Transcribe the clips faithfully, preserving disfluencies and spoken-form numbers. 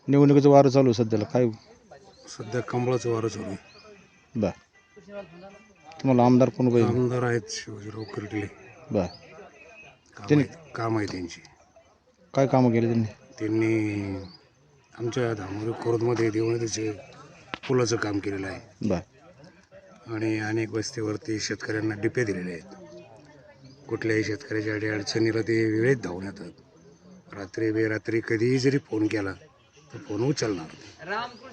निवडणुकीचं वारं चालू आहे सध्याला, काय सध्या कमळाचं वारं चालू आहे. बर तुम्हाला आमदार कोण पाहिजे? आमदार आहेत शिवाजीराव कर्डिले. बर काम त्यांनी- आहे काम आहे त्यांची. काय कामं केले त्यांनी? त्यांनी आमच्या धामोरी खोर्दमध्ये देवनदीचे पुलाचं काम केलेलं आहे बर आणि अनेक वस्तीवरती शेतकऱ्यांना डिपे दिलेले आहेत. कुठल्याही शेतकऱ्याच्या अडी अडचणीला ते वेळेत धावून येतात. रात्री बेरात्री कधीही जरी फोन केला तर फोन उचलणार.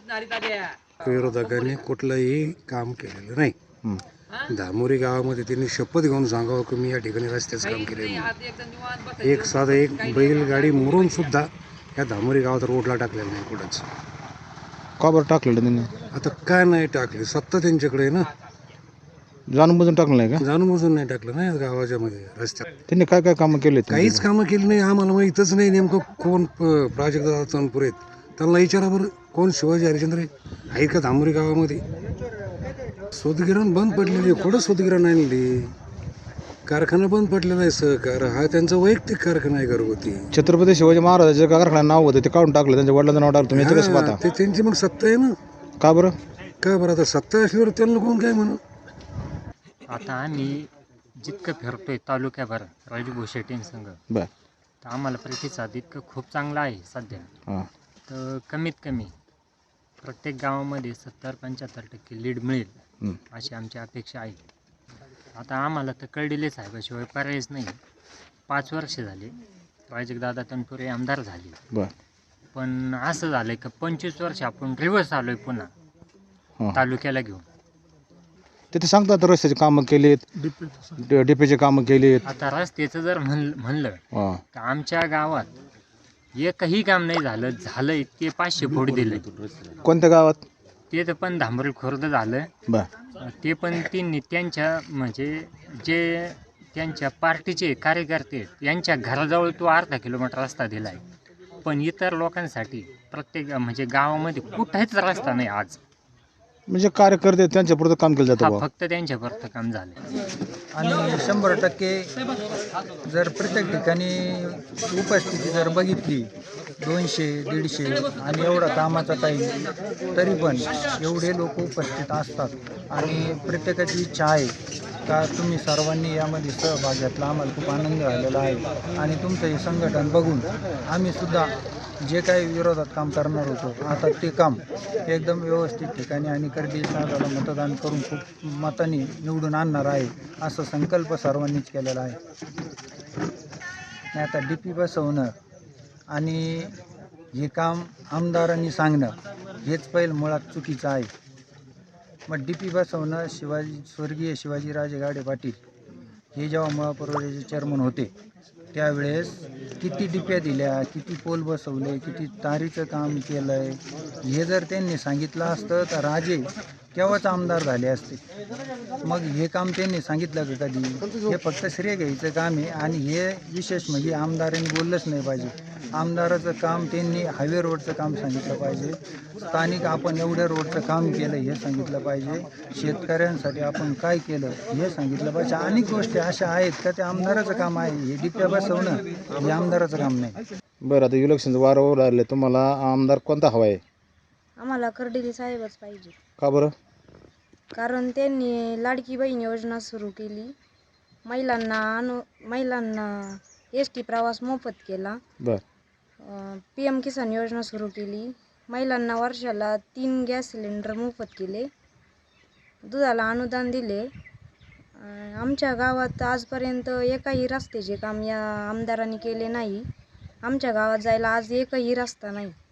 विरोधकांनी कुठलंही काम केलेलं नाही. हं. धामोरी गावामध्ये त्यांनी शपथ घेऊन सांगावं की मी या ठिकाणी रस्त्याचं काम केलेलं नाही. एक साधं एक बैलगाडी मोडून सुद्धा या धामोरी गावात रोडला टाकलेलं नाही कुठंच. का बरं टाकलेलं त्यांनी? आता काय नाही टाकले, सत्ता त्यांच्याकडे आहे ना. जाणून बुजून टाकलं नाही का? जाणून बुजून नाही टाकलं नाही गावाच्या मध्ये रस्त्यात. त्यांनी काय काय कामं केले? काहीच कामं केली नाही. आम्हाला माहीतच नाही नेमकं कोण प्राजक्त दादा तनपुरे आहेत. त्यांना विचारा बरं, कोण शिवाजी हरिश्चंद्र आहे का धामोरी गावामध्ये? सूतगिरण बंद पडलेली. कुठं सूतगिरण आणली? कारखाना बंद पडलेला आहे. सहकार हा त्यांचा वैयक्तिक कारखाना आहे घरगुती. छत्रपती शिवाजी महाराजांच्या कारखान्यात नाव होतं ते काढून टाकलं, त्यांच्या वडिलांचं नाव टाकलं. तुम्ही याचं कसं हा, पाहता? ते त्यांची मग सत्ता आहे ना. का बरं? काय बरं, आता सत्ता असल्यावर त्यांना कोण काय म्हणू? आता आम्ही जितकं फिरतोय तालुक्याभर राजू शेट्टींसंग, बर तर आम्हाला प्रतिसाद इतकं खूप चांगला आहे सध्या. हां तर कमीत कमी प्रत्येक गावामध्ये सत्तर पंच्याहत्तर टक्के लीड मिळेल हं. अशी आमची अपेक्षा आहे. आता आम्हाला तर कळलेले साहेबाशिवाय पर्यायच नाही. पाच वर्ष झाले राजदादा तनपुरे आमदार झाले, बर पण असं झालं आहे की पंचवीस वर्ष आपण रिवर्स आलो आहे पुन्हा हां तालुक्याला घेऊन. ते ते सांगतात रस्त्याचे कामं केलेत, डिपेचे कामं केलेत. आता रस्त्याचं जर म्हण म्हणलं हां तर आमच्या गावात एकही काम नाही झालं. झालं ते पाचशे फूट दिले. कोणत्या गावात? ते तर पण धांबरी खुर्द झालं. बर ते पण त्यांनी त्यांच्या म्हणजे जे त्यांच्या पार्टीचे कार्यकर्ते आहेत, यांच्या घराजवळ तो अर्धा किलोमीटर रस्ता दिला आहे. पण इतर लोकांसाठी प्रत्येक म्हणजे गावामध्ये कुठेच रस्ता नाही आज. म्हणजे कार्यकर्ते त्यांच्या पुरतं काम केलं जातं हा बुवा. फक्त त्यांच्यापर्यंत काम झालं. आणि शंभर टक्के जर प्रत्येक ठिकाणी उपस्थिती जर बघितली दोनशे दीडशे आणि एवढा कामाचा टाईम तरी पण एवढे लोक उपस्थित असतात आणि प्रत्येकाची इच्छा आहे का तुम्ही सर्वांनी यामध्ये सहभाग घेतला. आम्हाला खूप आनंद झालेला आहे आणि तुमचं हे संघटन बघून आम्हीसुद्धा जे काही विरोधात काम करणार होतो आता ते काम एकदम व्यवस्थित ठिकाणी आणि कर्डिले साहेबाला मतदान करून खूप मताने निवडून आणणार आहे असा संकल्प सर्वांनीच केलेला आहे. आणि आता डी पी बसवणं आणि हे काम आमदारांनी सांगणं हेच पहिलं मुळात चुकीचं आहे. मग डी पी बसवणं शिवाजी स्वर्गीय शिवाजीराजे गाडे पाटील हे जेव्हा महापौराचे चेअरमन होते त्यावेळेस किती डिप्या दिल्या, किती पोल बसवले, किती तारीचं काम केलं आहे हे जर त्यांनी सांगितलं असतं तर राजे केव्हाच आमदार झाले असते. मग हे काम त्यांनी सांगितलं का कधी? हे फक्त श्रेय घ्यायचं काम आहे आणि हे विशेष म्हणजे आमदारांनी बोललंच नाही पाहिजे. आमदाराचं काम त्यांनी हायवे रोडचं काम सांगितलं पाहिजे. स्थानिक आपण एवढ्या रोडचं काम केलं हे सांगितलं पाहिजे. शेतकऱ्यांसाठी आपण काय केलं हे सांगितलं पाहिजे. अनेक गोष्टी अशा आहेत का ते आमदाराचं काम आहे. हे डिप्या बसवणं हे आमदाराचं काम नाही. बरं आता इलेक्शनचं वारं ओढ आले, तुम्हाला आमदार कोणता हवा आहे? आम्हाला कर्डिले साहेबच पाहिजे. का बरं? कारण त्यांनी लाडकी बहीण योजना सुरू केली. महिलांना अनु महिलांना एस टी प्रवास मोफत केला. बर पी एम किसान योजना सुरू केली. महिलांना वर्षाला तीन गॅस सिलेंडर मोफत केले. दुधाला अनुदान दिले. आमच्या गावात आजपर्यंत एकही रस्त्याचे काम या आमदारांनी केले नाही. आमच्या गावात जायला आज एकही रस्ता नाही.